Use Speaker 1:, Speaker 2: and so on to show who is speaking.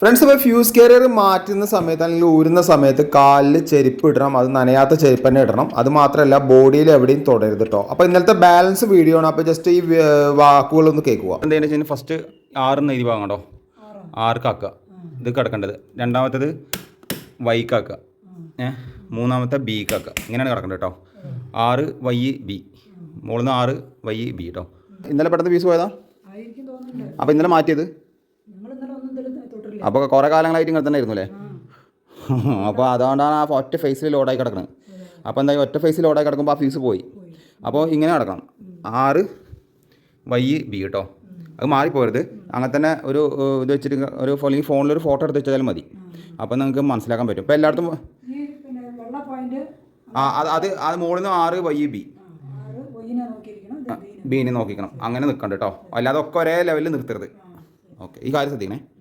Speaker 1: Friends, ഇപ്പോൾ fuse carrier മാറ്റുന്ന സമയത്ത് അല്ലെങ്കിൽ ഊരുന്ന സമയത്ത് കാലിൽ ചെരുപ്പ് ഇടണം. അത് നനയാത്ത ചെരുപ്പ് തന്നെ ഇടണം. അത് മാത്രമല്ല ബോഡിയിൽ എവിടെയും തൊടരുത് കേട്ടോ. അപ്പോൾ ഇന്നലത്തെ ബാലൻസ് വീഡിയോ ആണ്. അപ്പോൾ ജസ്റ്റ് ഈ വാക്കുകളൊന്ന് കേൾക്കുക.
Speaker 2: എന്താണെന്ന് വെച്ചാൽ ഫസ്റ്റ് 6 എഴുതി ഭാഗം കേട്ടോ. 6 ആക്കുക. ഇത് കിടക്കേണ്ടത്. രണ്ടാമത്തേത് വൈക്കാക്കുക. മൂന്നാമത്തെ ബിക്കാക്കുക. ഇങ്ങനെയാണ് കിടക്കേണ്ടത് കേട്ടോ. 6 വൈ ബി, മുകളിൽ നിന്ന് 6 വൈ ബി കേട്ടോ. ഇന്നലെ പെട്ടെന്ന് പീസ് പോയതാ. അപ്പോൾ ഇന്നലെ മാറ്റിയത്. അപ്പോൾ കുറേ കാലങ്ങളായിട്ട് ഇങ്ങനെ തന്നെ ആയിരുന്നു അല്ലേ. അപ്പോൾ അതുകൊണ്ടാണ് ആ ഒറ്റ ഫേസിൽ ലോഡായി കിടക്കുന്നത്. അപ്പോൾ എന്താ ഒറ്റ ഫേസിൽ ലോഡായി കിടക്കുമ്പോൾ ആ ഫീസ് പോയി. അപ്പോൾ ഇങ്ങനെ കിടക്കണം. 6 വൈ ബി കേട്ടോ. അത് മാറിപ്പോരുത്. അങ്ങനെ തന്നെ ഒരു ഇത് വെച്ചിട്ട് ഒരു അല്ലെങ്കിൽ ഫോണിലൊരു ഫോട്ടോ എടുത്ത് വെച്ചാലും മതി. അപ്പോൾ നിങ്ങൾക്ക് മനസ്സിലാക്കാൻ പറ്റും. ഇപ്പോൾ എല്ലായിടത്തും അത് മുകളിൽ നിന്ന് 6 വൈ ബി, ബീനെ നോക്കിക്കണം. അങ്ങനെ നിൽക്കണ്ട കേട്ടോ. അല്ലാതെ ഒക്കെ ഒരേ ലെവലിൽ നിർത്തരുത്. ഓക്കെ, ഈ കാര്യം ശ്രദ്ധിക്കണേ.